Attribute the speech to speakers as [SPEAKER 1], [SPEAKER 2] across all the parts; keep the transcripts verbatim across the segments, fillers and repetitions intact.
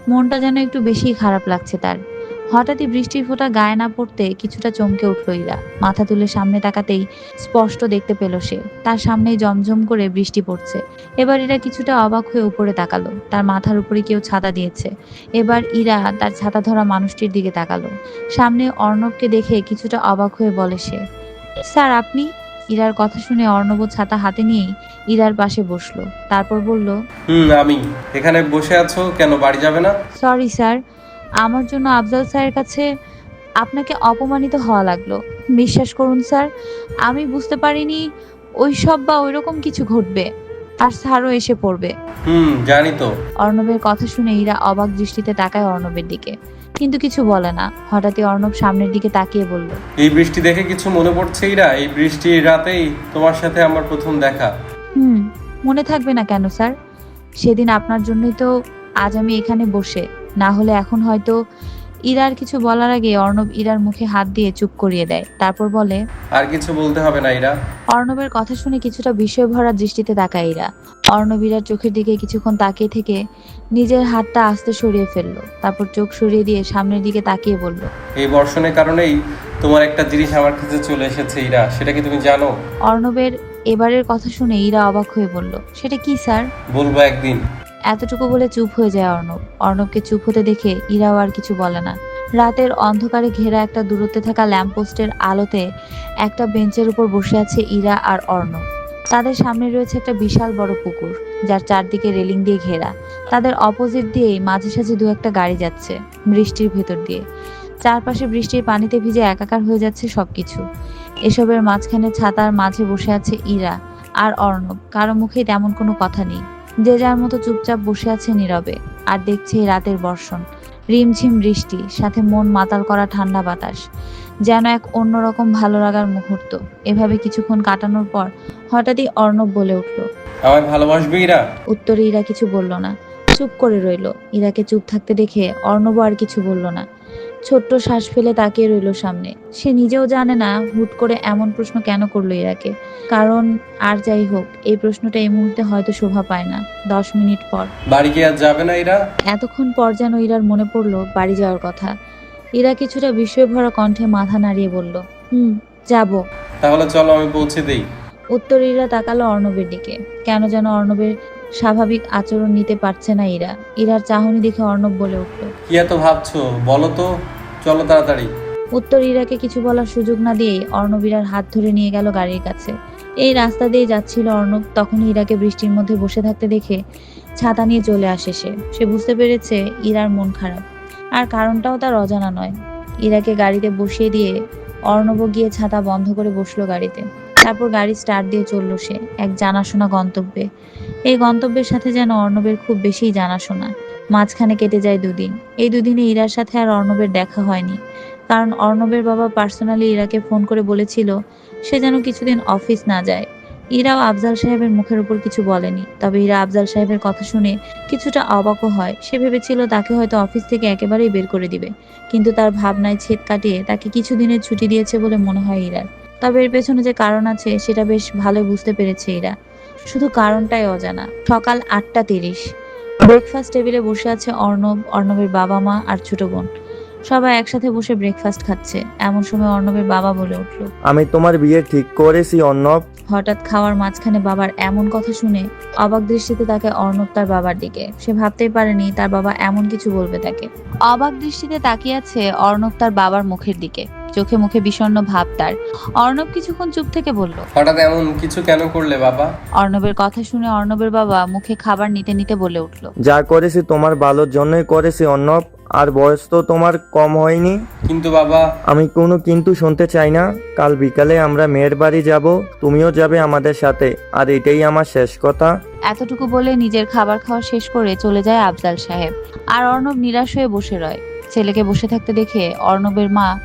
[SPEAKER 1] মনটা যেন একটু বেশি খারাপ লাগছে তার। হঠাৎই বৃষ্টির ফোঁটা গায়ে না পড়তে কিছুটা চমকে উঠল ইরা। মাথা তুলে সামনে তাকাতেই স্পষ্ট দেখতে পেল সে তার সামনেই জমঝম করে বৃষ্টি পড়ছে। এবার ইরা কিছুটা অবাক হয়ে উপরে তাকালো, তার মাথার উপরে কেউ ছাতা দিয়েছে। এবার ইরা তার ছাতা ধরা মানুষটির দিকে তাকালো। সামনে অর্ণবকে দেখে কিছুটা অবাক হয়ে বলে সে, স্যার আপনি? ইরার কথা শুনে অর্ণব ছাতা হাতে নিয়েই ইরার পাশে বসলো, তারপর বলল,
[SPEAKER 2] হুম আমি। এখানে বসে আছো কেন, বাড়ি যাবে না?
[SPEAKER 1] সরি স্যার, আমার জন্য আফজাল স্যারের কাছে আপনাকে অপমানিত হওয়া লাগলো। বিশ্বাস করুন স্যার, আমি বুঝতে পারিনি ওইসব বা ওইরকম কিছু ঘটবে আর স্যারও এসে পড়বে।
[SPEAKER 2] হুম জানি তো।
[SPEAKER 1] অর্ণবের কথা শুনে ইরা অবাক দৃষ্টিতে তাকায় অর্ণবের দিকে, কিন্তু কিছু বলে না। হঠাৎই অর্ণব সামনের দিকে তাকিয়ে বলল,
[SPEAKER 2] এই বৃষ্টি দেখে কিছু মনে পড়ছে ইরা? এই বৃষ্টির রাতেই তোমার সাথে আমার প্রথম দেখা।
[SPEAKER 1] হুম, মনে থাকবে না কেন স্যার? সেদিন আপনার জন্যই তো আজ আমি এখানে বসে, না হলে এখন হয়তো। ইরার কিছু বলার আগে অর্ণব ইরার মুখে হাত দিয়ে চুপ করিয়ে দেয়, তারপর বলে,
[SPEAKER 2] আর কিছু বলতে হবে না ইরা।
[SPEAKER 1] অর্ণবের কথা শুনে কিছুটা বিস্ময় ভরা দৃষ্টিতে তাকায় ইরা। অর্ণব ইরার চোখের দিকে কিছুক্ষণ তাকিয়ে থেকে নিজের হাতটা আস্তে সরিয়ে ফেললো, তারপর চোখ সরিয়ে দিয়ে সামনের দিকে তাকিয়ে বলল,
[SPEAKER 2] এই বর্ষণের কারণেই তোমার একটা জিনিস আমার কাছে চলে এসেছে ইরা, সেটা কি তুমি জানো?
[SPEAKER 1] অর্ণবের এবারের কথা শুনে ইরা অবাক হয়ে বলল, সেটা কি স্যার?
[SPEAKER 2] বলবো একদিন।
[SPEAKER 1] এতটুকু বলে চুপ হয়ে যায় অর্ণব। অর্ণবকে চুপ হতে দেখে ইরাও আর কিছু বলে না। রাতের অন্ধকারে ঘেরা একটা দূরত্বে থাকা ল্যাম্পপোস্টের আলোতে একটা বেঞ্চের উপর বসে আছে ইরা আর অর্ণব। তাদের সামনে রয়েছে একটা বিশাল বড় পুকুর, যার চারদিকে রেলিং দিয়ে ঘেরা। তাদের অপোজিট দিয়েই মাঝে সাঝে দু একটা গাড়ি যাচ্ছে বৃষ্টির ভেতর দিয়ে। চারপাশে বৃষ্টির পানিতে ভিজে একাকার হয়ে যাচ্ছে সবকিছু। এসবের মাঝখানে ছাতার মাঝে বসে আছে ইরা আর অর্ণব। কারো মুখে তেমন কোনো কথা নেই, যে যার মতো চুপচাপ বসে আছে নীরবে আর দেখছে এই রাতের বর্ষণ। রিমঝিম বৃষ্টি, সাথে মন মাতাল করা ঠান্ডা বাতাস, যেন এক অন্যরকম ভালো লাগার মুহূর্ত। এভাবে কিছুক্ষণ কাটানোর পর হঠাৎই অর্ণব বলে উঠল,
[SPEAKER 2] আমায় ভালোবাসবে ইরা?
[SPEAKER 1] উত্তরে ইরা কিছু বলল না, চুপ করে রইল। ইরাকে চুপ থাকতে দেখে অর্ণব আর কিছু বলল না, ছোট্ট শ্বাস ফেলে তাকিয়ে রইল সামনে। সে নিজেও জানে না হুট করে এমন প্রশ্ন কেন করলো ইরাকে। কারণ আর যাই হোক, এই প্রশ্নটা এই মুহূর্তে হয়তো শোভা পায় না। দশ মিনিট পর
[SPEAKER 2] বাড়ি কি আর যাবে না ইরা?
[SPEAKER 1] এতক্ষণ পর যেন ইরার মনে পড়লো বাড়ি যাওয়ার কথা। ইরা কিছুটা বিস্ময় ভরা কণ্ঠে মাথা নাড়িয়ে বলল, হুম, যাব।
[SPEAKER 2] তাহলে চলো আমি পৌঁছে দেই।
[SPEAKER 1] উত্তর ইরা তাকালো অর্ণবের দিকে। কেন যেন অর্ণবের স্বাভাবিক আচরণ নিতে পারছে না ইরা। ইরার চাহনি দেখে অর্ণব বলে উঠল,
[SPEAKER 2] কি এত ভাবছো বলো তো, চলো তাড়াতাড়ি।
[SPEAKER 1] উত্তর ইরাকে কিছু বলার সুযোগ না দিয়েই অর্ণব ইরার হাত ধরে নিয়ে গেল গাড়ির কাছে। এই রাস্তা দিয়ে যাচ্ছিল অর্ণব, তখন ইরাকে বৃষ্টির মধ্যে বসে থাকতে দেখে ছাতা নিয়ে চলে আসে সে। সে বুঝতে পেরেছে ইরার মন খারাপ, আর কারণটাও তার অজানা নয়। ইরাকে গাড়িতে বসিয়ে দিয়ে অর্ণব গিয়ে ছাতা বন্ধ করে বসলো গাড়িতে। তারপর গাড়ি স্টার্ট দিয়ে চলল সে এক জানাশোনা গন্তব্যে। এই গন্তব্যের সাথে যেন অর্ণবের খুব বেশি জানাশোনা। মাঝখানে কেটে যায় দুদিন। এই দুদিনে ইরার সাথে আর অর্ণবের দেখা হয়নি, কারণ অর্ণবের বাবা পার্সোনালি ইরাকে ফোন করে বলেছিল সে যেন কিছুদিন অফিস না যায়। ইরাও আফজাল সাহেবের মুখের উপর কিছু বলেনি, তবে ইরা আফজাল সাহেবের কথা শুনে কিছুটা অবাকও হয়। সে ভেবেছিল তাকে হয়তো অফিস থেকে একেবারেই বের করে দিবে, কিন্তু তার ভাবনায় ছেদ কাটিয়ে তাকে কিছুদিনের ছুটি দিয়েছে বলে মনে হয় ইরার। তবে এর পেছনে যে কারণ আছে সেটা বেশ ভালো বুঝতে পেরেছে ইরা, শুধু কারণটাই অজানা। সকাল আটটা তিরিশ, ব্রেকফাস্ট টেবিলে বসে আছে অর্ণব, অর্ণবের বাবা মা আর ছোট বোন। সবাই একসাথে বসে ব্রেকফাস্ট খাচ্ছে। এমন সময় অর্ণবের বাবা বলে উঠল,
[SPEAKER 3] আমি তোমার বিয়ে ঠিক করেছি অর্ণব।
[SPEAKER 1] হঠাৎ খাওয়ার মাঝখানে বাবার এমন কথা শুনে অবাক দৃষ্টিতে তাকে অর্ণব তার বাবার দিকে। সে ভাবতেই পারেনি তার বাবা এমন কিছু বলবে তাকে। অবাক দৃষ্টিতে তাকিয়ে আছে অর্ণব তার বাবার মুখের দিকে, চোখে মুখে বিষণ্ণ ভাব তার। অর্ণব কিছুক্ষণ চুপ থেকে বলল,
[SPEAKER 2] হঠাৎ এমন কিছু কেন করলে বাবা?
[SPEAKER 1] অর্ণবের কথা শুনে অর্ণবের বাবা মুখে খাবার নিতে নিতে বলে উঠল,
[SPEAKER 3] যা করেছি তোমার ভালোর জন্যই করেছি অর্ণব, আর বয়স তো তোমার কম হয়নি।
[SPEAKER 2] কিন্তু বাবা।
[SPEAKER 3] আমি কোনো কিন্তু শুনতে চাই না। কাল বিকালে আমরা মেয়ের বাড়ি যাব, তুমিও যাবে আমাদের সাথে, আর এটাই আমার শেষ কথা।
[SPEAKER 1] এতটুকু বলে নিজের খাবার খাওয়া শেষ করে চলে যায় আফজাল সাহেব। আর অর্ণব নিরাশ হয়ে বসে রয়। ছেলেকে বসে থাকতে দেখে অর্ণবের মা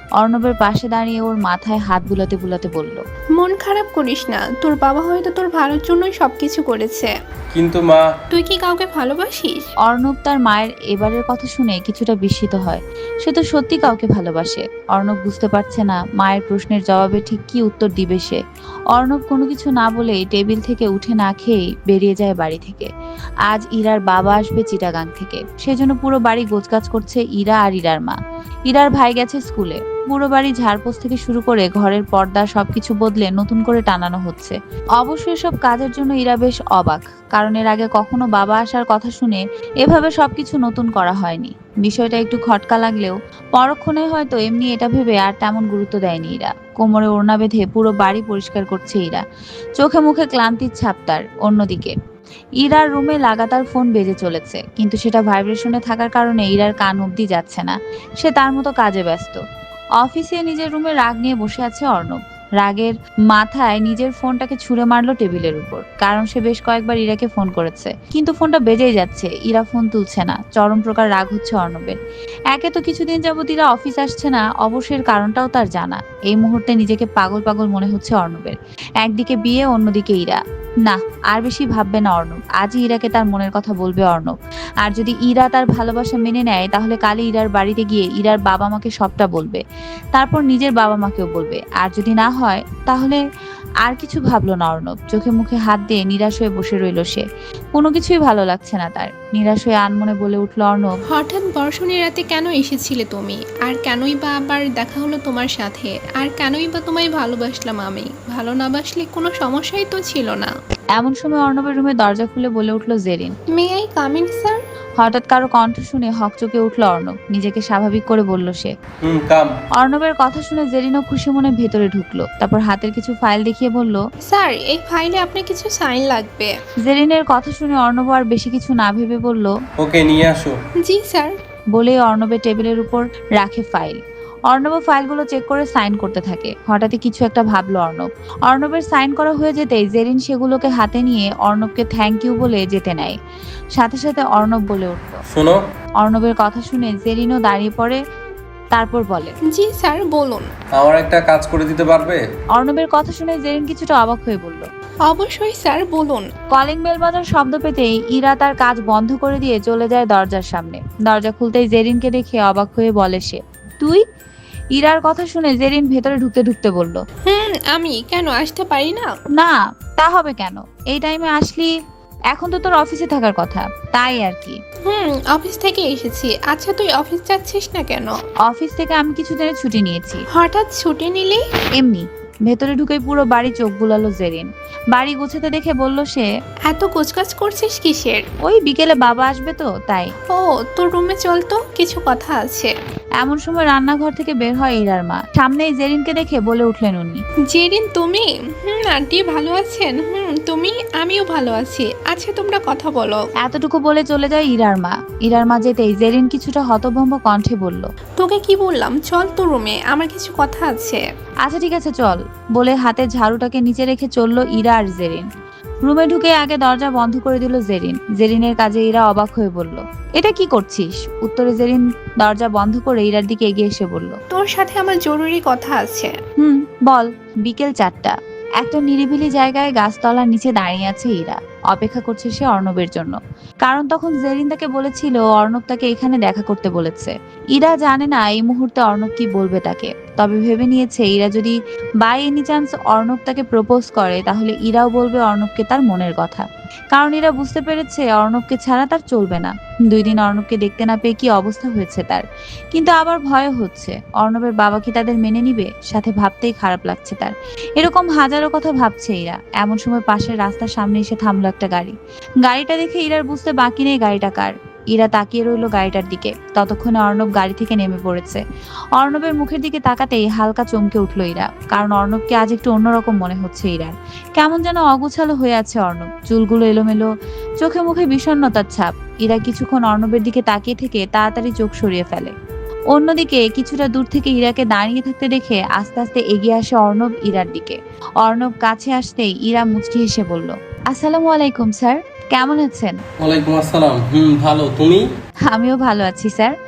[SPEAKER 1] অর্ণবের পাশে দাঁড়িয়ে ওর মাথায় হাত বুলাতে বুলাতে বলল,
[SPEAKER 4] মন খারাপ করিস না, তোর বাবা হয়তো তোর ভালোর জন্যই সবকিছু করেছে।
[SPEAKER 2] কিন্তু মা,
[SPEAKER 4] তুই কি কাউকে ভালোবাসিস?
[SPEAKER 1] অর্ণব তার মায়ের এবারের কথা শুনে কিছুটা বিস্মিত হয়। সে তো সত্যি কাউকে ভালোবাসে। অর্ণব বুঝতে পারছে না মায়ের প্রশ্নের জবাবে ঠিক কি উত্তর দিবে সে। অর্ণব কোনো কিছু না বলেই টেবিল থেকে উঠে না খেয়েই বেরিয়ে যায় বাড়ি থেকে। আজ ইরার বাবা আসবে চিটাগাং থেকে, সেজন্য পুরো বাড়ি গোছগাছ করছে ইরা আর ইরার মা। ইরার ভাই গেছে স্কুলে। পুরো বাড়ি ঝাড়পোছ থেকে শুরু করে ঘরের পর্দা সবকিছু বদলে নতুন করে টানানো হচ্ছে। অবশ্য এসব কাজের জন্য ইরা বেশ অবাক, কারণ এর আগে কখনো বাবা আসার কথা শুনে এভাবে সবকিছু নতুন করা হয়নি। বিষয়টা একটু খটকা লাগলেও পরক্ষণে হয়তো এমনি এটা ভেবে আর তেমন গুরুত্ব দেয়নি ইরা। কোমরে ওড়না বেঁধে পুরো বাড়ি পরিষ্কার করছে ইরা। চোখে মুখে ক্লান্তির ছাপ তার। অন্যদিকে ইরার রুমে লাগাতার ফোন বেজে চলেছে, কিন্তু সেটা ভাইব্রেশনে থাকার কারণে ইরার কান অবধি যাচ্ছে না। সে তার মতো কাজে ব্যস্ত। অফিসে নিজের রুমে রাগ নিয়ে বসে আছে অর্ণব। রাগের মাথায় নিজের ফোনটাকে ছুঁড়ে মারলো টেবিলের উপর, কারণ সে বেশ কয়েকবার ইরাকে ফোন করেছে, কিন্তু ফোনটা বেজেই যাচ্ছে। ইরা ফোন তুলছে না। চরম প্রকার রাগ হচ্ছে অর্ণবের। একে তো কিছুদিন যাবত ইরা অফিস আসছে না, অবশ্যের কারণটাও তার জানা। এই মুহূর্তে নিজেকে পাগল পাগল মনে হচ্ছে অর্ণবের। একদিকে বিয়ে, অন্যদিকে ইরা। না, আর বেশি ভাববে না অর্ণব। আজই ইরাকে তার মনের কথা বলবে অর্ণব। আর যদি ইরা তার ভালোবাসা মেনে নেয়, তাহলে কালই ইরার বাড়িতে গিয়ে ইরার বাবা মাকে সবটা বলবে। তারপর নিজের বাবা মাকেও বলবে। আর যদি না হয়, তাহলে আর কিছু ভাবলো না অর্ণব। চোখে মুখে হাত দিয়ে নিরাশ হয়ে বসে রইল সে। কোনো কিছুই ভালো লাগছে না তার। নিরাশ হয়ে আনমনে বলে উঠল অর্ণব,
[SPEAKER 4] হঠাৎ বর্ষণের রাতে কেন এসেছিলে তুমি? আর কেনই বা আবার দেখা হলো তোমার সাথে? আর কেনই বা তোমায় ভালোবাসলাম আমি? ভালো না বাসলে কোনো সমস্যাই তো ছিল না।
[SPEAKER 1] এমন সময় অর্ণবের রুমে দরজা খুলে বলে উঠল Jerin.
[SPEAKER 4] May I come in sir?
[SPEAKER 1] হঠাৎ কারো কণ্ঠ শুনে হকচকে উঠল অর্ণব। নিজেকে স্বাভাবিক করে বলল সে।
[SPEAKER 2] হুম কাম।
[SPEAKER 1] অর্ণবের কথা শুনে জেরিনও খুশি মনে ভেতরে ঢুকলো। তারপর হাতের কিছু ফাইল দেখিয়ে বলল,
[SPEAKER 4] স্যার, এই ফাইলে আপনার কিছু সাইন লাগবে।
[SPEAKER 1] জেরিনের কথা শুনে অর্ণব আর বেশি কিছু না ভেবে বলল,
[SPEAKER 2] ওকে নিয়ে আসো।
[SPEAKER 4] জি স্যার।
[SPEAKER 1] বলে অর্ণবের টেবিলের উপর রাখে ফাইল। অর্ণব ফাইলগুলো চেক করে সাইন করতে থাকে। হঠাৎই কিছু একটা ভাবলো অর্ণব। অর্ণবের সাইন করা হয়ে যেতেই জেরিন সেগুলোকে হাতে নিয়ে অর্ণবকে থ্যাংক ইউ বলে যেতে নেয়। সাথে সাথে অর্ণব বলে উঠল।
[SPEAKER 2] শোনো,
[SPEAKER 1] অর্ণবের কথা শুনে জেরিনও দাঁড়িয়ে পড়ে, তারপর বলে,
[SPEAKER 4] জি স্যার, বলুন।
[SPEAKER 2] আমার একটা কাজ করে দিতে পারবে?
[SPEAKER 1] অর্ণবের কথা শুনে জেরিন কিছুটা অবাক হয়ে বলল,
[SPEAKER 4] অবশ্যই স্যার, বলুন।
[SPEAKER 1] কলিং বেল বাজার শব্দ পেতেই ইরা তার কাজ বন্ধ করে দিয়ে চলে যায় দরজার সামনে। দরজা খুলতেই জেরিনকে দেখে অবাক হয়ে বলে সে, তুই? ইরার কথা শুনে জেরিন ভেতরে ঢুকতে ঢুকতে বলল,
[SPEAKER 4] হুম, আমি কেন আসতে পারি না?
[SPEAKER 1] না, তা হবে কেন? এই টাইমে আসলি? এখন তো তোর অফিসে থাকার কথা, তাই আর কি।
[SPEAKER 4] হুম, অফিস থেকে এসেছি। আচ্ছা, তুই অফিস যাচ্ছিস না কেন?
[SPEAKER 1] অফিস থেকে আমি কিছুদিনের ছুটি নিয়েছি।
[SPEAKER 4] হঠাৎ ছুটি নিলি?
[SPEAKER 1] এমনি। ভেতরে ঢুকেই পুরো বাড়ি চোখ বুলালো জেরিন। বাড়ি গোছাতে দেখে বলল সে,
[SPEAKER 4] এত কোচকাজ করছিস কিসের?
[SPEAKER 1] ওই বিকেলে বাবা আসবে তো তাই।
[SPEAKER 4] ও, তোর রুমে চল তো, কিছু কথা আছে।
[SPEAKER 1] এমন সময় রান্নাঘর থেকে বের হয় ইরার মা। সামনেই জেরিনকে দেখে বলে উঠলেন উনি,
[SPEAKER 4] জেরিন, তুমি? হুম, আন্টি ভালো আছেন? হুম, তুমি? আমিও ভালো আছি। আচ্ছা, তোমরা কথা বলো।
[SPEAKER 1] এতটুকু বলে চলে যায় ইরার মা। ইরার মা যেতেই জেরিন কিছুটা হতভম্ব কণ্ঠে বলল,
[SPEAKER 4] তোকে কি বললাম, চল তো রুমে, আমার কিছু কথা আছে।
[SPEAKER 1] আচ্ছা ঠিক আছে চল, বলে হাতে ঝাড়ুটাকে নিচে রেখে চলল ইরা আর জেরিন। রুমে ঢুকে আগে দরজা বন্ধ করে দিল জেরিন। জেরিনের কাজে ইরা অবাক হয়ে বলল, এটা কি করছিস? উত্তরে জেরিন দরজা বন্ধ করে ইরার দিকে এগিয়ে এসে বলল,
[SPEAKER 4] তোর সাথে আমার জরুরি কথা আছে।
[SPEAKER 1] হুম বল। বিকেল চারটা। একটা নিরিবিলি জায়গায় গাছতলার নিচে দাঁড়িয়ে আছে ইরা। অপেক্ষা করছে সে অর্ণবের জন্য, কারণ তখন জেরিন তাকে বলেছিল অর্ণব তাকে এখানে দেখা করতে বলেছে। ইরা জানে না এই মুহূর্তে অর্ণব কি বলবে তাকে, তবে ভেবে নিয়েছে ইরা যদি বাই এনি চান্স অর্ণব তাকে প্রপোজ করে, তাহলে ইরাও বলবে অর্ণবকে তার মনের কথা। কারণ ইরা বুঝতে পেরেছে অর্ণবকে ছাড়া তার চলবে না। দুই দিন অর্ণবকে দেখতে না পেয়ে কি অবস্থা হয়েছে তার। কিন্তু আবার ভয় হচ্ছে অর্ণবের বাবা কি তাদের মেনে নিবে, সাথে ভাবতেই খারাপ লাগছে তার। এরকম হাজারো কথা ভাবছে ইরা। এমন সময় পাশের রাস্তার সামনে এসে থামলো একটা গাড়ি। গাড়িটা দেখে ইরার বুঝতে বাকি নেই গাড়িটা কার। ইরা তাকিয়ে রইল গাড়িটার দিকে। ততক্ষণে অর্ণব গাড়ি থেকে নেমে পড়েছে। অর্ণবের মুখের দিকে তাকাতেই হালকা চমকে উঠল ইরা, কারণ অর্ণবকে আজ একটু অন্যরকম মনে হচ্ছে ইরার। কেমন যেন অগোছালো হয়ে আছে অর্ণব, চুলগুলো এলোমেলো, চোখে মুখে বিষণ্ণতার ছাপ। ইরা কিছুক্ষণ অর্ণবের দিকে তাকিয়ে থেকে তাড়াতাড়ি চোখ সরিয়ে ফেলে। অন্যদিকে কিছুটা দূর থেকে ইরাকে দাঁড়িয়ে থাকতে দেখে আস্তে আস্তে এগিয়ে আসে অর্ণব ইরার দিকে। অর্ণব কাছে আসতেই ইরা মুচকি হেসে বলল, আসসালামু আলাইকুম স্যার, কেমন আছেন?
[SPEAKER 2] ওয়ালাইকুম আসসালাম। হুম ভালো, তুমি?
[SPEAKER 1] আমিও ভালো আছি স্যার।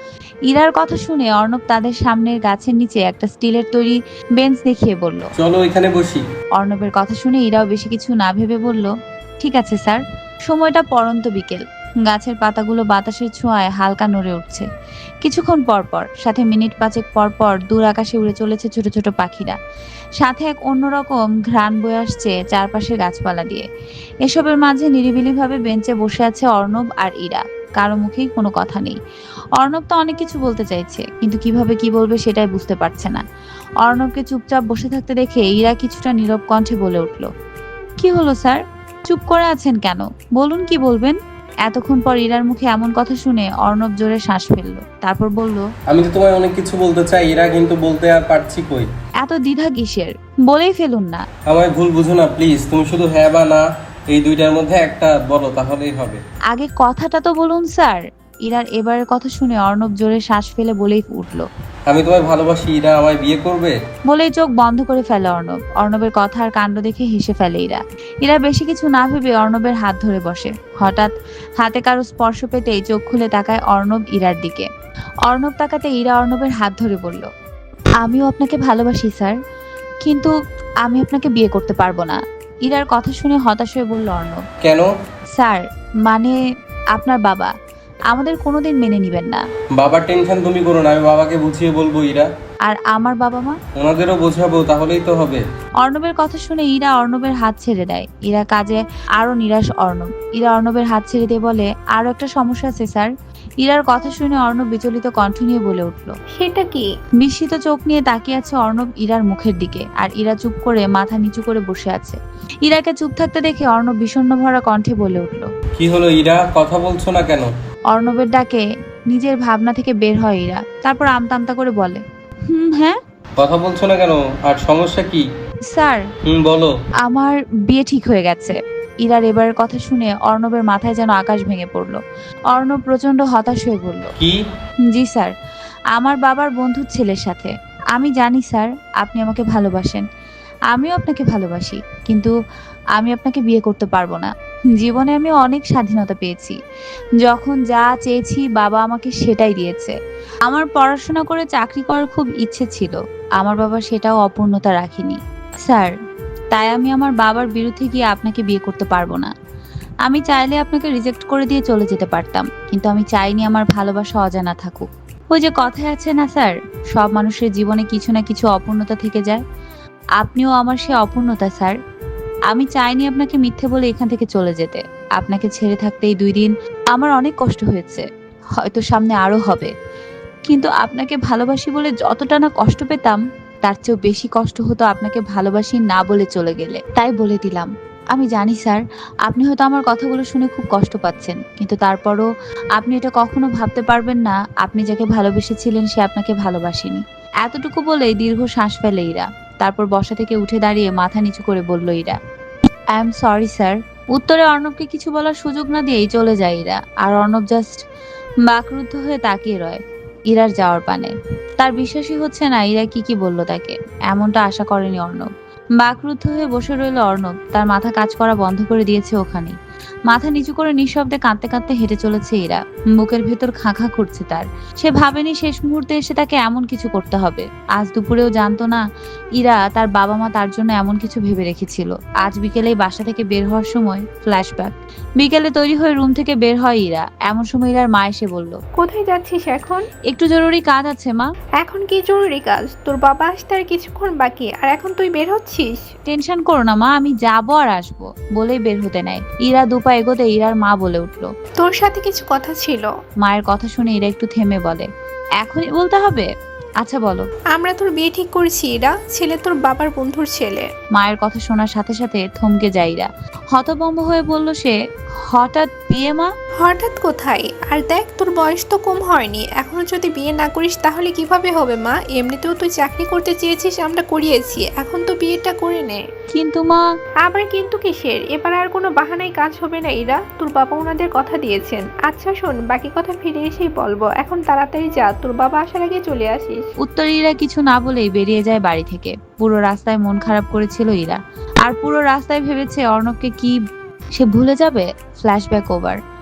[SPEAKER 1] ইরার কথা শুনে অর্ণব তাদের সামনের গাছের নিচে একটা স্টিলের তৈরি বেঞ্চ দেখিয়ে বলল।
[SPEAKER 2] চলো এখানে বসি।
[SPEAKER 1] অর্ণবের কথা শুনে ইরাও বেশি কিছু না ভেবে বলল, ঠিক আছে স্যার। সময়টা পড়ন্ত বিকেল। গাছের পাতাগুলো বাতাসের ছোঁয়ায় হালকা নড়ে উঠছে। কিছুক্ষণ পর পর, সাথে মিনিট পাঁচেক পর পর দূর আকাশে উড়ে চলেছে ছোট ছোট পাখিরা। সাথে এক অন্যরকম ঘ্রাণ বয়ে আসছে চারপাশের গাছপালা দিয়ে। এসবের মাঝে নিরিবিলিভাবে বেঞ্চে বসে আছে অর্ণব আর ইরা। কারো মুখেই কোনো কথা নেই। অর্ণব তো অনেক কিছু বলতে চাইছে, কিন্তু কিভাবে কি বলবে সেটাই বুঝতে পারছে না। অর্ণবকে চুপচাপ বসে থাকতে দেখে ইরা কিছুটা নীরব কণ্ঠে বলে উঠল, কি হলো স্যার, চুপ করে আছেন কেন? বলুন কি বলবেন। এতক্ষণ পর ইরার মুখে এমন কথা শুনে অর্ণব জোরে শ্বাস ফেলল। তারপর বলল,
[SPEAKER 2] আমি তো তোমায় অনেক কিছু বলতে চাই এরা, কিন্তু বলতে আর পারছি কই।
[SPEAKER 1] এত দ্বিধা কিসের, বলেই ফেলুন না।
[SPEAKER 2] আমায় ভুল বুঝো না প্লিজ, তুমি শুধু হ্যাঁ বা না এই দুইটার মধ্যে একটা বলো, তাহলেই হবে।
[SPEAKER 1] আগে কথাটা তো বলুন স্যার। ইরার এবারের কথা শুনে অর্ণব জোরে শ্বাস ফেলে বলেই উঠল,
[SPEAKER 2] আমি তোমায় ভালোবাসি ইরা, আমায় বিয়ে করবে?
[SPEAKER 1] বলেই চোখ বন্ধ করে ফেলে অর্ণব। অর্ণবের কথা আর কাণ্ড দেখে হেসে ফেলে ইরা। ইরা বেশি কিছু না ভেবে অর্ণবের হাত ধরে বসে। হঠাৎ হাতে কারো স্পর্শ পেতেই চোখ খুলে তাকায় অর্ণব ইরার দিকে। অর্ণব তাকাতে ইরা অর্ণবের হাত ধরে বলল, আমিও আপনাকে ভালোবাসি স্যার, কিন্তু আমি আপনাকে বিয়ে করতে পারবো না। ইরার কথা শুনে হতাশ হয়ে বলল অর্ণব,
[SPEAKER 2] কেন?
[SPEAKER 1] স্যার, মানে আপনার বাবা আমাদের কোনোদিন মেনে নিবেন না।
[SPEAKER 2] বাবার টেনশন তুমি করো না, আমি বাবাকে বুঝিয়ে বলবো ইরা।
[SPEAKER 1] আর আমার বাবা মা?
[SPEAKER 2] ওনাদেরও বোঝাবো, তাহলেই তো হবে।
[SPEAKER 1] অর্ণবের কথা শুনে ইরা অর্ণবের হাত ছেড়ে দেয়। ইরা কাজে আরো নিরাশ অর্ণব। ইরা অর্ণবের হাত ছেড়ে দিয়ে বলে, আরো একটা সমস্যা আছে স্যার। ইরার কথা শুনে অর্ণব বিচলিত কণ্ঠ নিয়ে বলে উঠল।
[SPEAKER 4] সেটা কি?
[SPEAKER 1] বিস্মিত চোখ নিয়ে তাকিয়ে আছে অর্ণব ইরার মুখের দিকে, আর ইরা চুপ করে মাথা নিচু করে বসে আছে। ইরাকে চুপ থাকতে দেখে অর্ণব বিষণ্ণ ভরা কণ্ঠে বলে উঠল।
[SPEAKER 2] কি হলো ইরা, কথা বলছো না কেন?
[SPEAKER 1] অর্ণবের ডাকে নিজের ভাবনা থেকে বের হয় ইরা। তারপর আমতা আমতা করে বলে, হুম হ্যাঁ।
[SPEAKER 2] কথা বলছো না কেন, আর সমস্যা কি?
[SPEAKER 1] স্যার,
[SPEAKER 2] হুম বলো।
[SPEAKER 1] আমার বিয়ে ঠিক হয়ে গেছে। ইরার এবারের কথা শুনে অর্ণবের মাথায় যেন আকাশ ভেঙে পড়ল। অর্ণব প্রচন্ড হতাশ হয়ে বলল,
[SPEAKER 2] কি?
[SPEAKER 1] জি স্যার, আমার বাবার বন্ধুর ছেলের সাথে। আমি জানি স্যার আপনি আমাকে ভালোবাসেন, আমিও আপনাকে ভালোবাসি, কিন্তু আমি আপনাকে বিয়ে করতে পারবো না। জীবনে আমি অনেক স্বাধীনতা পেয়েছি। যখন যা চেয়েছি বাবা আমাকে সেটাই দিয়েছে। আমার পড়াশোনা করে চাকরি করার খুব ইচ্ছে ছিল, আমার বাবা সেটাও অপূর্ণতা রাখেনি স্যার। তাই আমি আমার বাবার বিরুদ্ধে গিয়ে আপনাকে বিয়ে করতে পারবো না। আমি চাইলে আপনাকে রিজেক্ট করে দিয়ে চলে যেতে পারতাম, কিন্তু আমি চাইনি আমার ভালোবাসা অজানা থাকুক। ওই যে কথায় আছে না স্যার, সব মানুষের জীবনে কিছু না কিছু অপূর্ণতা থেকে যায়। আপনিও আমার সে অপূর্ণতা স্যার। আমি চাইনি আপনাকে মিথ্যে বলে এখান থেকে চলে যেতে। আপনাকে ছেড়ে থাকতে এই দুই দিন আমার অনেক কষ্ট হয়েছে, হয়তো সামনে আরো হবে, কিন্তু আপনাকে ভালোবাসি বলে যতটা না কষ্ট পেতাম, তার চেয়েও বেশি কষ্ট হতো আপনাকে ভালোবাসি না বলে চলে গেলে। তাই বলে দিলাম। আমি জানি স্যার আপনি হয়তো আমার কথাগুলো শুনে খুব কষ্ট পাচ্ছেন, কিন্তু তারপরও আপনি এটা কখনো ভাবতে পারবেন না আপনি যাকে ভালোবেসেছিলেন সে আপনাকে ভালোবাসেনি। এতটুকু বলেই দীর্ঘ শ্বাস ফেলে ইরা। তারপর বসা থেকে উঠে দাঁড়িয়ে মাথা নিচু করে বলল Ira, I am sorry sir. উত্তরে অর্ণবকে কিছু বলার সুযোগ না দিয়েই চলে যায় ইরা। আর অর্ণব জাস্ট বাকরুদ্ধ হয়ে তাকিয়ে রয় ইরার যাওয়ার পানে। তার বিশ্বাসই হচ্ছে না ইরা কি কি বলল তাকে। এমনটা আশা করেনি অর্ণব। বাকরুদ্ধ হয়ে বসে রইল অর্ণব। তার মাথা কাজ করা বন্ধ করে দিয়েছে ওখানেই। মাথা নিচু করে নিঃশব্দে কাঁদতে কাঁদতে হেঁটে চলেছে ইরা। বুকের ভেতর খাঁ খাঁ করছে তার। সে ভাবেনি শেষ মুহূর্তে এসে তাকে এমন কিছু করতে হবে। আজ দুপুরেও জানতো না ইরা তার বাবা মা তার জন্য এমন কিছু ভেবে রেখেছিল। আজ বিকেলেই বাসা থেকে বের হওয়ার সময় ফ্ল্যাশব্যাক। বিকেলে তৈরি হয়ে রুম থেকে বের হয় ইরা। এমন সময় ইরার মা এসে বলল,
[SPEAKER 4] কোথায় যাচ্ছিস এখন?
[SPEAKER 1] একটু জরুরি কাজ আছে মা।
[SPEAKER 4] এখন কি জরুরি কাজ? তোর বাবা আসতে আর কিছুক্ষণ বাকি, আর এখন তুই বের হচ্ছিস?
[SPEAKER 1] টেনশন করো না মা, আমি যাবো আর আসবো, বলেই বের হতে নেয়। ইরা দুপা এগোতে ইরার মা বলে উঠল,
[SPEAKER 4] তোর সাথে কিছু কথা ছিল।
[SPEAKER 1] মায়ের কথা শুনে ইরা একটু থেমে বলে, এখনই বলতে হবে? আচ্ছা বলো।
[SPEAKER 4] আমরা তোর বিয়ে ঠিক করেছি ইরা, ছেলে তোর বাবার বন্ধুর ছেলে।
[SPEAKER 1] মায়ের কথা শোনার সাথে সাথে থমকে যায় ইরা। হতভম্ব হয়ে বলল সে, হঠাৎ বিয়ে মা?
[SPEAKER 4] হঠাৎ কোথায়? আর দেখ তোর বয়স তো কম হয়নি, এখনো যদি বিয়ে না করিস তাহলে কিভাবে হবে মা? এমনিতেও তুই চাকরি করতে চেয়েছিস, আমরা করিয়েছি, এখন তো বিয়েটা করে নে।
[SPEAKER 1] কিন্তু মা।
[SPEAKER 4] আবার কিন্তু কিসের? এবার আর কোনো বাহানায় কাজ হবে না ইরা, তোর বাবা ওনাদের কথা দিয়েছেন। আচ্ছা শোন, বাকি কথা ফিরে এসেই বলবো, এখন তাড়াতাড়ি যা, তোর বাবা আসার আগে চলে আসিস।
[SPEAKER 1] উত্তর ইরা কিছু না বলেই বেরিয়ে যায় বাড়ি থেকে। পুরো রাস্তায় মন খারাপ করেছিল ইরা। আর পুরো রাস্তায় ভেবেছে অর্ণবকে কি সে ভুলে যাবে। Flashback over.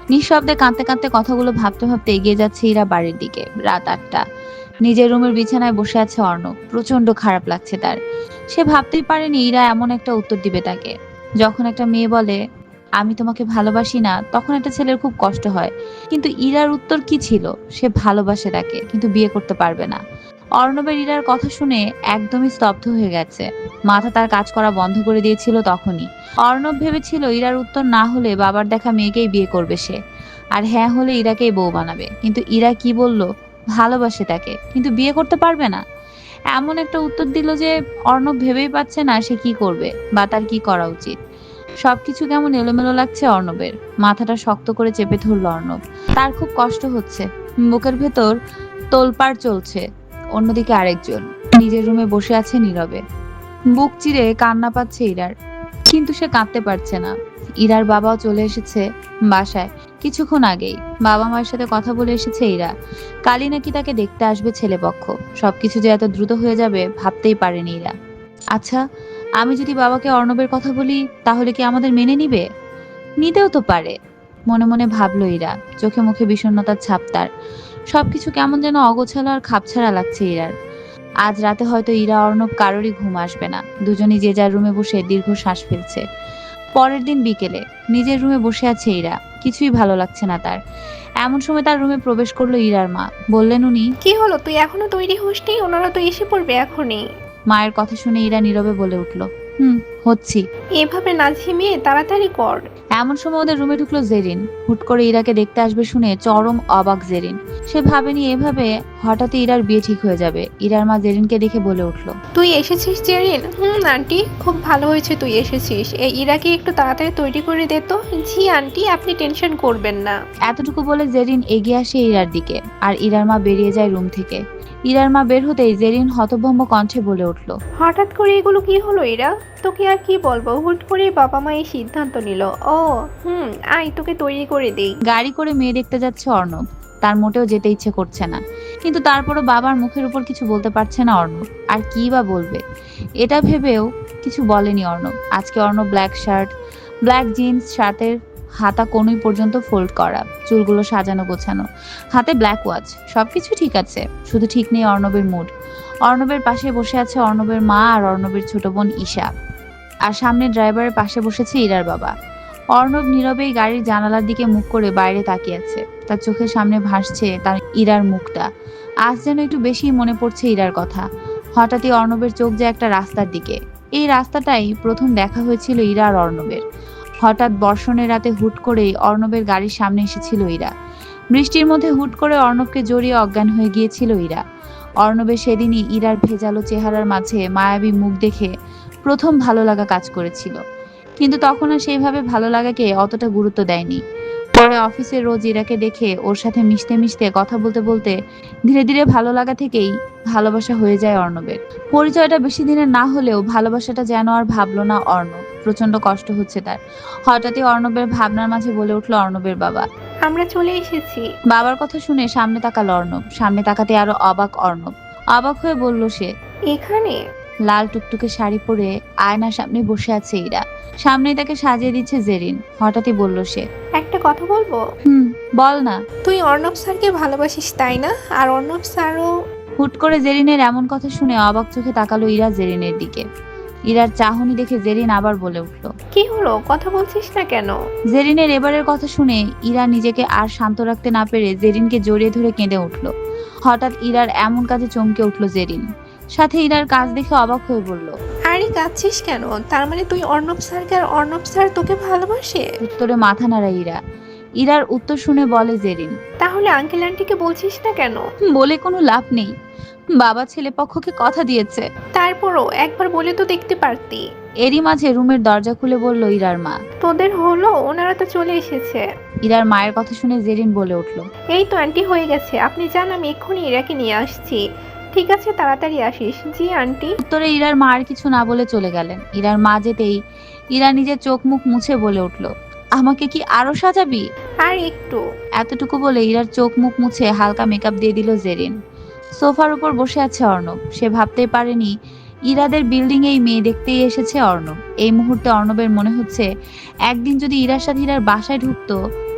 [SPEAKER 1] নিঃশব্দে কাঁদতে কাঁদতে কথাগুলো ভাবতে ভাবতে এগিয়ে যাচ্ছে ইরা বাড়ির দিকে। রাত আটটা। নিজের রুমের বিছানায় বসে আছে অর্ণব। প্রচন্ড খারাপ লাগছে তার। সে ভাবতেই পারেনি ইরা এমন একটা উত্তর দিবে তাকে। যখন একটা মেয়ে বলে আমি তোমাকে ভালোবাসি না, তখন একটা ছেলের খুব কষ্ট হয়। কিন্তু ইরার উত্তর কি ছিল? সে ভালোবাসে তাকে, কিন্তু বিয়ে করতে পারবে না। অর্ণবের ইরার কথা শুনে একদমই স্তব্ধ হয়ে গেছে। মাথা তার কাজ করা বন্ধ করে দিয়েছিল তখনই। অর্ণব ভেবেছিল ইরার উত্তর না হলে বাবার দেখা মেয়েকেই বিয়ে করবে সে, আর হ্যাঁ হলে ইরাকেই বউ বানাবে। কিন্তু ইরা কি বলল? ভালোবাসে তাকে, কিন্তু বিয়ে করতে পারবে না। এমন একটা উত্তর দিল যে অর্ণব ভেবেই পাচ্ছে না সে কি করবে বা তার কি করা উচিত। সবকিছু কেমন এলোমেলো লাগছে অর্ণবের। মাথাটা শক্ত করে চেপে ধরল অর্ণব। তার খুব কষ্ট হচ্ছে, বুকের ভেতর তোলপাড় চলছে। অন্যদিকে আরেকজন নিজের রুমে বসে আছে নীরবে। বুক চিরে কান্না পাচ্ছে ইরার, কিন্তু সে কাঁদতে পারছে না। ইরার বাবাও চলে এসেছে বাসায় কিছুক্ষণ আগেই। বাবা মায়ের সাথে কথা বলে এসেছে ইরা। কালই নাকি তাকে দেখতে আসবে ছেলেপক্ষ। সবকিছু যে এত দ্রুত হয়ে যাবে ভাবতেই পারেনি ইরা। আচ্ছা, আমি যদি বাবাকে অর্ণবের কথা বলি তাহলে কি আমাদের মেনে নিবে? নিতেও তো পারে, মনে মনে ভাবলো ইরা। চোখে মুখে বিষণ্ণতার ছাপ তার। সবকিছু কেমন যেন অগোছালো আর খাপছাড়া লাগছে ইরার। আজ রাতে হয়তো ইরা অর্ণব কারোরই ঘুম আসবে না। দুজনই যে যার রুমে বসে দীর্ঘ শ্বাস ফেলছে। পরের দিন বিকেলে নিজের রুমে বসে আছে ইরা। কিছুই ভালো লাগছে না তার। এমন সময় তার রুমে প্রবেশ করলো ইরার মা। বললেন উনি।
[SPEAKER 4] কি হলো, তুই এখনো তৈরি হসনি? ওনারা তো এসে পড়বে এখনই।
[SPEAKER 1] মায়ের কথা শুনে ইরা নীরবে বলে উঠল, হুম হচ্ছি।
[SPEAKER 4] এভাবে না ঝিমিয়ে তাড়াতাড়ি কর।
[SPEAKER 1] এমন সময় ওদের রুমে ঢুকলো জেরিন। হুট করে ইরাকে দেখতে আসবে শুনে চরম অবাক জেরিন। সে ভাবেনি এভাবে হঠাৎই ইরার বিয়ে ঠিক হয়ে যাবে। ইরার মা জেরিনকে দেখে বলে উঠলো,
[SPEAKER 4] তুই এসেছিস জেরিন? হুম আন্টি, খুব ভালো হয়েছে তুই এসেছিস। এই ইরাকে একটু তাড়াতাড়ি তৈরি করে দে তো। জি আন্টি, আপনি টেনশন করবেন না।
[SPEAKER 1] এতটুকু বলে জেরিন এগিয়ে আসে ইরার দিকে, আর ইরার মা বেরিয়ে যায় রুম থেকে। ইরার মা বের হতেই জেরিন হতভম্ব কণ্ঠে বলে উঠলো,
[SPEAKER 4] হঠাৎ করে এগুলো কি হলো ইরা? তোকে আর কি বলবো, হুট করে বাবা মা এই সিদ্ধান্ত নিল। ও হুম, আয় তোকে তৈরি করে দেই।
[SPEAKER 1] গাড়ি করে মেয়ে দেখতে যাচ্ছে অর্ণব। তার মোটেও যেতে ইচ্ছে করছে না, কিন্তু তারপরও বাবার মুখের উপর কিছু বলতে পারছে না অর্ণব। আর কি বা বলবে, এটা ভেবেও কিছু বলেনি অর্ণব। আজকে Arnab black shirt, black jeans, শার্টের হাতা কোনই পর্যন্ত ফোল্ড করা, চুলগুলো সাজানো গোছানো, হাতে ব্ল্যাক ওয়াচ। সবকিছু ঠিক আছে, শুধু ঠিক নেই অর্ণবের মুড। অর্ণবের পাশে বসে আছে অর্ণবের মা আর অর্ণবের ছোট বোন ঈশা, আর সামনে ড্রাইভারের পাশে বসেছে ইরার বাবা। অর্ণব নীরবেই গাড়ির জানালার দিকে মুখ করে বাইরে তাকিয়ে আছে। তার চোখের সামনে ভাসছে তার ইরার মুখটা। আজ যেন একটু বেশি মনে পড়ছে ইরার কথা। হঠাৎই অর্ণবের চোখ যায় একটা রাস্তার দিকে। এই রাস্তাটাই প্রথম দেখা হয়েছিল ইরা আর অর্ণবের। হঠাৎ বর্ষণের রাতে হুট করেই অর্ণবের গাড়ির সামনে এসেছিল ইরা। বৃষ্টির মধ্যে হুট করে অর্ণবকে জড়িয়ে অজ্ঞান হয়ে গিয়েছিল ইরা। অর্ণবের সেদিনই ইরার ভেজালো চেহারার মাঝে মায়াবী মুখ দেখে প্রথম ভালো লাগা কাজ করেছিল, কিন্তু তখন আর সেইভাবে ভালো লাগাকে অতটা গুরুত্ব দেয়নি। পরে অফিসে রোজ ইরাকে দেখে ওর সাথে মিশতে মিশতে কথা বলতে বলতে ধীরে ধীরে ভালো লাগা থেকেই ভালোবাসা হয়ে যায় অর্ণবের। পরিচয়টা বেশি দিনের না হলেও ভালোবাসাটা যেন আর ভাবলো না অর্ণব। প্রচন্ড কষ্ট হচ্ছে তার। হঠাৎই অর্ণবের ভাবনার মাঝে বলে উঠলো অর্ণবের বাবা,
[SPEAKER 4] আমরা চলে এসেছি।
[SPEAKER 1] বাবার কথা শুনে সামনে তাকালো অর্ণব। সামনে তাকাতে আরো অবাক অর্ণব। অবাক হয়ে বলল সে,
[SPEAKER 4] এখানে?
[SPEAKER 1] লাল টুকটুকে শাড়ি পরে আয়নার সামনে বসে আছে ইরা। সামনেই তাকে সাজিয়ে দিচ্ছে জেরিন। হঠাৎই বলল সে,
[SPEAKER 4] একটা কথা বলবো?
[SPEAKER 1] হুম বল না।
[SPEAKER 4] তুই অর্ণব স্যারকে ভালোবাসিস তাই না? আর অর্ণব স্যারও?
[SPEAKER 1] হুট করে জেরিনের এমন কথা শুনে অবাক চোখে তাকালো ইরা জেরিনের দিকে। ইরার চাহনি দেখে জেরিন আবার বলে উঠল,
[SPEAKER 4] কি হলো, কথা বলছিস না কেন?
[SPEAKER 1] জেরিনের এবারের কথা শুনে ইরা নিজেকে আর শান্ত রাখতে না পেরে জেরিনকে জড়িয়ে ধরে কেঁদে উঠল। হঠাৎ ইরার এমন কাজে চমকে উঠল জেরিন। সাথে ইরার কাজ দেখে অবাক হয়ে বলল,
[SPEAKER 4] আরে কাঁদছিস কেন? তার মানে তুই অর্ণব স্যারকে আর অর্ণব স্যার তোকে ভালোবাসে?
[SPEAKER 1] উত্তরে মাথা নাড়া ইরা। ইরার উত্তর শুনে বলে জেরিন,
[SPEAKER 4] তাহলে আঙ্কেল আন্টিকে বলছিস না কেন?
[SPEAKER 1] বলে কোনো লাভ নেই, বাবা ছেলে পক্ষকে কথা দিয়েছে।
[SPEAKER 4] তারপরও একবার বলে তো দেখতে পারতি।
[SPEAKER 1] এরই মাঝে রুমের দরজা খুলে বলল ইরার মা,
[SPEAKER 4] তোদের হলো? ওনারা তো চলে এসেছে।
[SPEAKER 1] ইরার মায়ের কথা শুনে জেরিন বলে উঠল,
[SPEAKER 4] এই তো আন্টি হয়ে গেছে, আপনি যান, আমি এক্ষুনি ইরাকে নিয়ে আসছি। ঠিক আছে, তাড়াতাড়ি আসিস। জি আন্টি।
[SPEAKER 1] উত্তরে ইরার মা আর কিছু না বলে চলে গেলেন। ইরার মা যেতেই ইরা নিজের চোখ মুখ মুছে বলে উঠল, আমাকে কি আরো সাজাবি?
[SPEAKER 4] আর একটু।
[SPEAKER 1] এতটুকু বলে ইরার চোখ মুখ মুছে হালকা মেকআপ দিয়ে দিল জেরিন। সোফার উপর বসে আছে অর্ণব। সে ভাবতেই পারেনি ইরাদের বিল্ডিং এই মেয়ে দেখতেই এসেছে অর্ণব। এই মুহূর্তে অর্ণবের মনে হচ্ছে একদিন যদি ইরার সাথে ইরার বাসায় ঢুকতো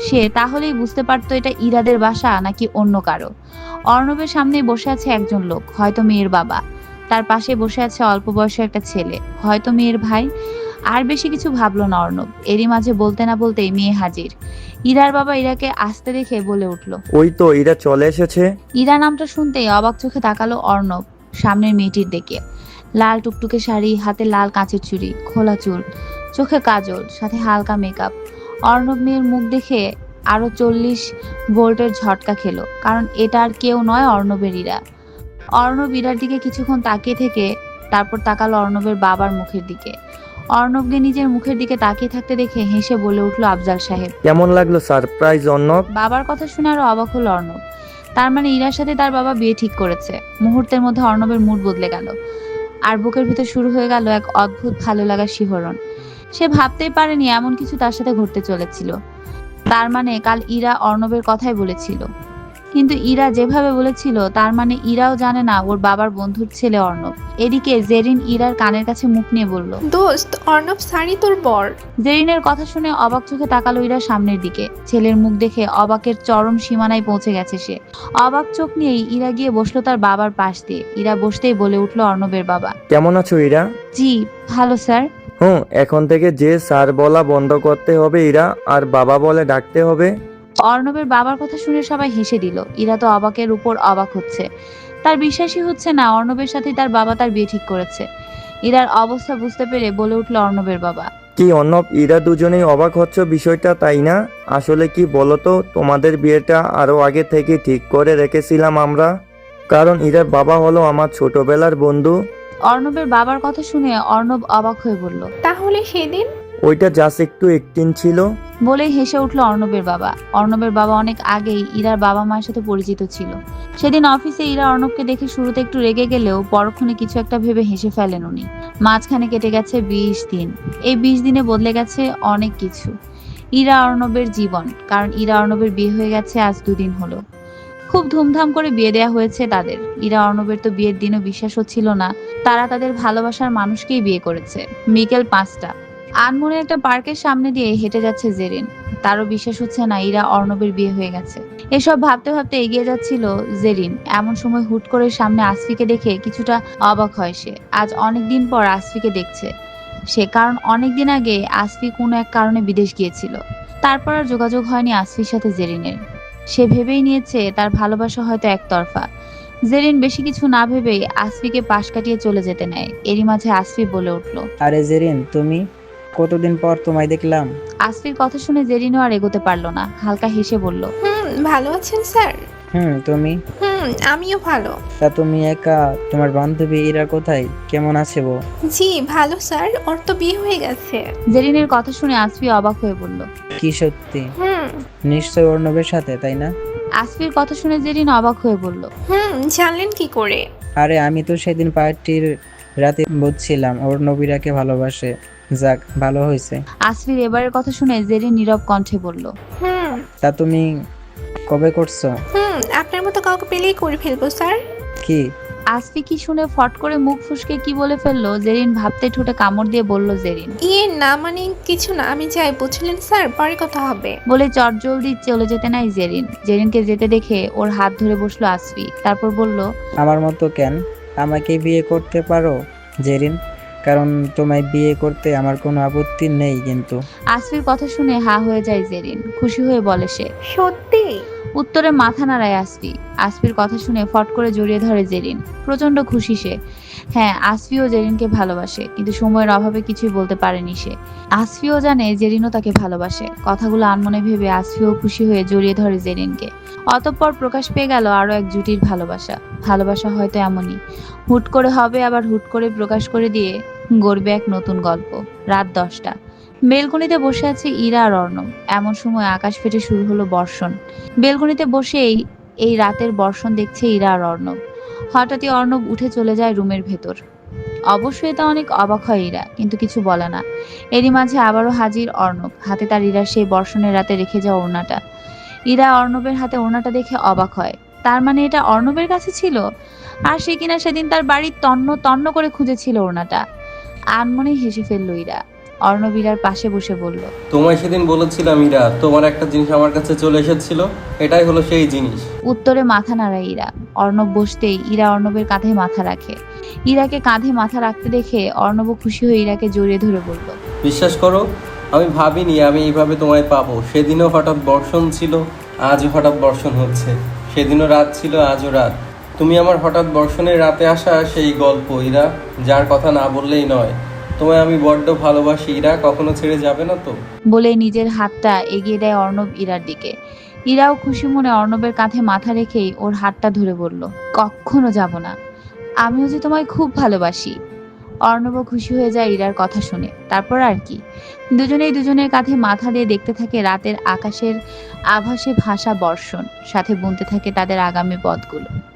[SPEAKER 1] সে, তাহলেই বুঝতে পারতো এটা ইরাদের বাসা নাকি অন্য কারো। অর্ণবের সামনে বসে আছে একজন লোক, হয়তো মেয়ের বাবা। তার পাশে বসে আছে অল্প বয়সের একটা ছেলে, হয়তো মেয়ের ভাই। আর বেশি কিছু ভাবলো না অর্ণব। এরই মাঝে বলতে না বলতেই মেয়ে হাজির। ইরার বাবা ইরাকে আসতে দেখে বলে উঠল।
[SPEAKER 3] ওই তো ইরা চলে এসেছে।
[SPEAKER 1] ইরা নামটা শুনতেই অবাক চোখে তাকালো অর্ণব সামনের মেয়েটির দিকে। লাল টুকটুকে শাড়ি, হাতে লাল কাঁচের চুড়ি, খোলা চুল, চোখে কাজল, সাথে হালকা মেকআপ। অর্ণব মেয়ের মুখ দেখে আরো চল্লিশ ভোল্টের ঝটকা খেলো, কারণ এটা আর কেউ নয়, অর্ণবের ইরা। অর্ণব ইরার দিকে কিছুক্ষণ তাকিয়ে থেকে তারপর তাকালো অর্ণবের বাবার মুখের দিকে। অর্ণবকে নিজের মুখের দিকে তাকিয়ে থাকতে দেখে হেসে বলে উঠল আফজাল সাহেব।
[SPEAKER 3] কেমন লাগলো সারপ্রাইজ অর্ণব?
[SPEAKER 1] বাবার কথা শুনে আরো অবাক হলো অর্ণব। তার মানে ইরার সাথে তার বাবা বিয়ে ঠিক করেছে। মুহূর্তের মধ্যে অর্ণবের মুড বদলে গেল, আর বুকের ভিতর শুরু হয়ে গেল এক অদ্ভুত ভালো লাগার শিহরণ। সে ভাবতেই পারেনি এমন কিছু তার সাথে ঘটতে চলেছিল। তার মানে কাল ইরা অর্ণবের কথাই বলেছিল, কিন্তু ইরা যেভাবে বলেছিল তার মানে ইরাও জানে না ওর বাবার বন্ধুর ছেলে অর্ণব। এদিকে জেরিন ইরার কানের কাছে মুখ নিয়ে বলল,
[SPEAKER 4] দোস্ত, অর্ণব সারি তোর বর।
[SPEAKER 1] জেরিনের কথা শুনে অবাক চোখে তাকালো ইরা সামনের দিকে। ছেলের মুখ দেখে অবাকের চরম সীমানায় পৌঁছে গেছে সে। অবাক চোখ নিয়েই ইরা গিয়ে বসলো তার বাবার পাশ দিয়ে। ইরা বসতেই বলে উঠল অর্ণবের বাবা।
[SPEAKER 3] কেমন আছো ইরা?
[SPEAKER 1] জি ভালো স্যার।
[SPEAKER 3] হুম, এখন থেকে যে স্যার বলা বন্ধ করতে হবে ইরা, আর বাবা বলে ডাকতে হবে।
[SPEAKER 1] অর্ণবের বাবার কথা শুনে সবাই হেসে দিল। ইরা তো অবাকের উপর অবাক হচ্ছে, তার বিশ্বাসই হচ্ছে না অর্ণবের সাথে তার বাবা তার বিয়ে ঠিক করেছে। ইরার অবস্থা বুঝতে পেরে বলে উঠল অর্ণবের বাবা।
[SPEAKER 3] কি অর্ণব, ইরা দুজনেই অবাক হচ্ছে বিষয়টা, তাই না? আসলে কি বলতো, তোমাদের বিয়েটা আরো আগে থেকে ঠিক করে রেখেছিলাম আমরা, কারণ ইরার বাবা হলো আমার ছোটবেলার বন্ধু।
[SPEAKER 1] অর্ণবের বাবার কথা শুনে অর্ণব অবাক হয়ে বলল,
[SPEAKER 4] তাহলে সেদিন?
[SPEAKER 3] ওইটা জাস্ট একটু একটিন ছিল।
[SPEAKER 1] বলেই হেসে উঠল অর্ণবের বাবা। অর্ণবের বাবা অনেক আগেই ইরার বাবা মায়ের সাথে পরিচিত ছিল। সেদিন অফিসে ইরা অর্ণবকে দেখে শুরুতে একটু রেগে গেলেও পরক্ষণে কিছু একটা ভেবে হেসে ফেলেন উনি। মাঝখানে কেটে গেছে বিশ দিন। এই বিশ দিনে বদলে গেছে অনেক কিছু। ইরা অর্ণবের জীবন, কারণ ইরা অর্ণবের বিয়ে হয়ে গেছে আজ দুদিন হলো। খুব ধুমধাম করে বিয়ে দেয়া হয়েছে তাদের। ইরা অর্ণবের তো বিয়ের দিনও বিশ্বাস হচ্ছিল না তারা তাদের ভালোবাসার মানুষকেই বিয়ে করেছে। বিকেল পাঁচটা, আনমনে একটা পার্কের সামনে দিয়ে হেঁটে যাচ্ছে জেরিন। তারও বিশ্বাস হচ্ছে না ইরা অর্ণবের বিয়ে হয়ে গেছে। এসব ভাবতে ভাবতে এগিয়ে যাচ্ছিল জেরিন। এমন সময় হুট করে সামনে আসফিকে দেখে কিছুটা অবাক হয় সে। আজ অনেকদিন পর আসফিকে দেখছে সে, কারণ অনেকদিন আগে আসফি কোনো এক কারণে বিদেশ গিয়েছিল। তারপর আর যোগাযোগ হয়নি আসফির সাথে জেরিনের। সে ভেবেই নিয়েছে তার ভালোবাসা হয়তো একতরফা। জেরিন বেশি কিছু না ভেবেই আসফিকে পাশ কাটিয়ে চলে যেতে নেয়। এরই মাঝে আসফি বলে উঠল,
[SPEAKER 5] আরে জেরিন, তুমি? কতদিন পর তোমায় দেখলাম।
[SPEAKER 1] আসফির কথা শুনে জেরিনও আর এগোতে পারলো না, হালকা হেসে বলল,
[SPEAKER 4] হুম, ভালো আছেন স্যার?
[SPEAKER 5] হুম, তুমি?
[SPEAKER 4] হুম, আমিও ভালো।
[SPEAKER 5] তা তুমি একা? তোমার বান্ধবী ইরা কোথায়, কেমন আছে ও?
[SPEAKER 4] জি ভালো স্যার, ওর তো বিয়ে হয়ে গেছে।
[SPEAKER 1] জেরিনের কথা শুনে আসফি অবাক হয়ে বলল,
[SPEAKER 5] কি সত্যি?
[SPEAKER 4] হুম
[SPEAKER 5] নিশ্চয় অর্ণবের সাথে, তাই না?
[SPEAKER 1] আসফির কথা শুনে জেরিন অবাক হয়ে বলল,
[SPEAKER 4] হুম জানলেন কি করে?
[SPEAKER 5] আরে আমি তো সেদিন পার্টির রাতে বুঝছিলাম অর্ণব ইরাকে ভালোবাসে। যাক, ভালো হয়েছে।
[SPEAKER 1] আসফির এবারের কথা শুনে জেরিন নীরব কণ্ঠে বলল,
[SPEAKER 4] হুম
[SPEAKER 5] তা তুমি কবে করছো?
[SPEAKER 4] হুম আপনার মতো কাউকে পেলেই করে ফেলবো স্যার।
[SPEAKER 5] কি?
[SPEAKER 1] আসফি কি শুনে ফট করে মুখ ফুসকে কি বলে ফেললো জেরিন ভাবতে ঠোঁটে কামড় দিয়ে বলল জেরিন।
[SPEAKER 4] ইয়ে না মানে কিছু না, আমি যাই, বুঝলেন স্যার, পরে কথা হবে।
[SPEAKER 1] বলে চটজলদি চলে যেতে নাই জেরিন। জেরিনকে যেতে দেখে ওর হাত ধরে বসলো আসফি, তারপর বলল,
[SPEAKER 5] আমার মতো কেন? আমাকে বিয়ে করতে পারো জেরিন, কারণ তোমায় বিয়ে করতে আমার কোনো আপত্তি নেই। কিন্তু
[SPEAKER 1] আসফির কথা শুনে হা হয়ে যায় জেরিন। খুশি হয়ে বলে সে।
[SPEAKER 4] সত্যি?
[SPEAKER 1] উত্তরে মাথা নাড়ায় আসফি। আসফির কথা শুনে ফট করে জড়িয়ে ধরে জেরিন। প্রচন্ড খুশি সে। হ্যাঁ, আসফিও জেরিনকে ভালোবাসে, কিন্তু সময়ের অভাবে কিছুই বলতে পারেনি সে। আসফিও জানে জেরিনও তাকে ভালোবাসে। কথাগুলো আনমনে ভেবে আসফিও খুশি হয়ে জড়িয়ে ধরে জেরিনকে। অতঃপর প্রকাশ পেয়ে গেল আরো এক জুটির ভালোবাসা। ভালোবাসা হয়তো এমনই, হুট করে হবে আবার হুট করে প্রকাশ করে দিয়ে গড়বে এক নতুন গল্প। রাত দশটা, বেলকনিতে বসে আছে ইরা আর অর্ণব। এমন সময় আকাশ ফেটে শুরু হলো বর্ষণ। বেলকনিতে বসেই এই রাতের বর্ষণ দেখছে ইরা আর অর্ণব। হঠাৎই অর্ণব উঠে চলে যায় রুমের ভেতর। অবশ্যই এটা অনেক অবাক হয় ইরা, কিন্তু কিছু বলে না। এরই মাঝে আবারও হাজির অর্ণব, হাতে তার ইরার সেই বর্ষণের রাতে রেখে যাওয়া ওড়নাটা। ইরা অর্ণবের হাতে ওড়নাটা দেখে অবাক হয়। তার মানে এটা অর্ণবের কাছে ছিল, আর সে কিনা সেদিন তার বাড়ির তন্ন তন্ন করে খুঁজেছিল ওড়নাটা। আনমনে হেসে ফেলল ইরা। অর্ণব ইরার পাশে বসে বলল,
[SPEAKER 2] তোমায় সেদিন বলেছিলাম ইরা, তোমার একটা জিনিস আমার কাছে চলে এসেছিল, এটাই হলো সেই জিনিস।
[SPEAKER 1] উত্তরে মাথা নাড়ায় ইরা। অর্ণব বসতেই ইরা অর্ণবের কাঁধে মাথা রাখে। ইরাকে কাঁধে মাথা রাখতে দেখে অর্ণব খুশি হয়ে ইরাকে জড়িয়ে ধরে বলল,
[SPEAKER 2] বিশ্বাস করো, আমি ভাবিনি আমি এইভাবে তোমায় পাবো। সেদিনও হঠাৎ বর্ষণ ছিল, আজও হঠাৎ বর্ষণ হচ্ছে। সেদিনও রাত ছিল, আজও রাত। তুমি আমার হঠাৎ বর্ষণের রাতে আসা সেই গল্প ইরা, যার কথা না বললেই নয়। তোমায় আমি বড্ড ভালোবাসি ইরা, কখনো ছেড়ে যাবে না তো?
[SPEAKER 1] বলে নিজের হাতটা এগিয়ে দেয় অর্ণব ইরার দিকে। ইরাও খুশি মনে অর্ণবের কাঁধে মাথা রেখেই ওর হাতটা ধরে বলল, কখনো যাব না, আমিও যে তোমায় খুব ভালোবাসি। অর্ণবও খুশি হয়ে যায় ইরার কথা শুনে। তারপর আর কি, দুজনেই দুজনের কাঁধে মাথা দিয়ে দেখতে থাকে রাতের আকাশের আভাসে ভাসা বর্ষণ, সাথে বুনতে থাকে তাদের আগামী পথগুলো।